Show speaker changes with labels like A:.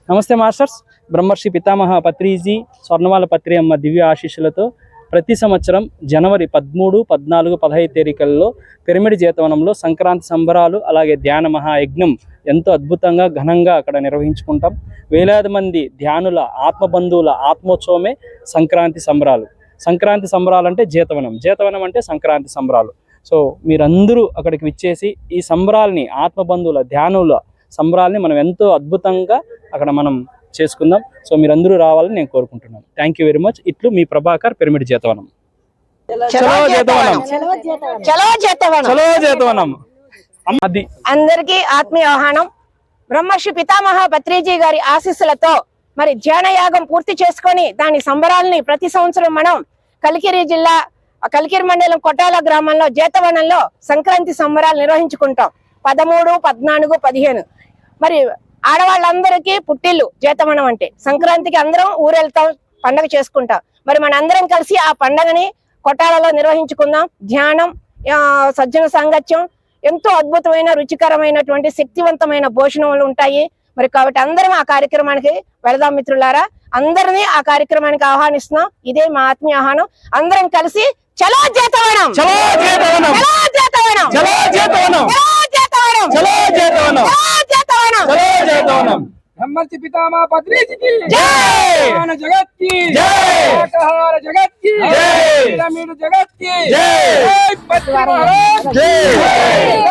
A: నమస్తే మాస్టర్స్. బ్రహ్మర్షి పితామహ పత్రిజీ స్వర్ణమాల పత్రి అమ్మ దివ్య ఆశీస్సులతో ప్రతి సంవత్సరం జనవరి 13, 14, 15 తేదీలలో పిరమిడ్ జీతవనంలో సంక్రాంతి సంబరాలు అలాగే ధ్యాన మహాయజ్ఞం ఎంతో అద్భుతంగా ఘనంగా అక్కడ నిర్వహించుకుంటాం. వేలాది మంది ధ్యానుల ఆత్మబంధువుల ఆత్మోత్సవమే సంక్రాంతి సంబరాలు. సంక్రాంతి సంబరాలు అంటే జీతవనం, జీతవనం అంటే సంక్రాంతి సంబరాలు. సో మీరందరూ అక్కడికి విచ్చేసి ఈ సంబరాల్ని, ఆత్మబంధువుల ధ్యానుల సంబరాల్ని మనం ఎంతో అద్భుతంగా అక్కడ మనం చేసుకుందాం. సో మీరందరూ రావాలని నేను కోరుకుంటున్నాను. Thank you very much. ఇట్లు మీ ప్రభాకర్, పిరమిడ్ జీతవనం.
B: అందరికీ ఆత్మీయ ఆహ్వానం. బ్రహ్మర్షి పితామహ పత్రిజీ గారి ఆశీస్సులతో మరి ధ్యానయాగం పూర్తి చేసుకొని దాని సంబరాలని ప్రతి సంవత్సరం మనం కలికిరి జిల్లా కలికిరి మండలం కొట్టాల గ్రామంలో జీతవనంలో సంక్రాంతి సంబరాలు నిర్వహించుకుంటాం. 13, 14, 15 మరి ఆడవాళ్ళందరికీ పుట్టిల్లు జీతవనం అంటే. సంక్రాంతికి అందరం ఊరెళ్తాం, పండగ చేసుకుంటాం. మరి మన అందరం కలిసి ఆ పండగని కొట్టాలలో నిర్వహించుకుందాం. ధ్యానం, సజ్జన సాంగత్యం, ఎంతో అద్భుతమైన రుచికరమైనటువంటి శక్తివంతమైన భోజనములు ఉంటాయి. మరి కాబట్టి అందరం ఆ కార్యక్రమానికి వెళదాం మిత్రులారా. అందరినీ ఆ కార్యక్రమానికి ఆహ్వానిస్తున్నాం. ఇదే మా ఆత్మీయ ఆహ్వానం. అందరం కలిసి చలో జీతవనం, చలో జీతవనం, చలో జీతవనం, చలో జీతవనం, చలో జీతవనం, చలో జీతవనం, చలో జీతవనం, చలో జీతవనం.
C: బ్రహ్మర్షి పితామహ పత్రిజీ की
B: जय,
C: ध्यान जगत की
B: जय,
C: शाकाहार जगत की
B: जय,
C: पिरामिड जगत की
B: जय,
C: जय, पत्रि महाराज
B: जय।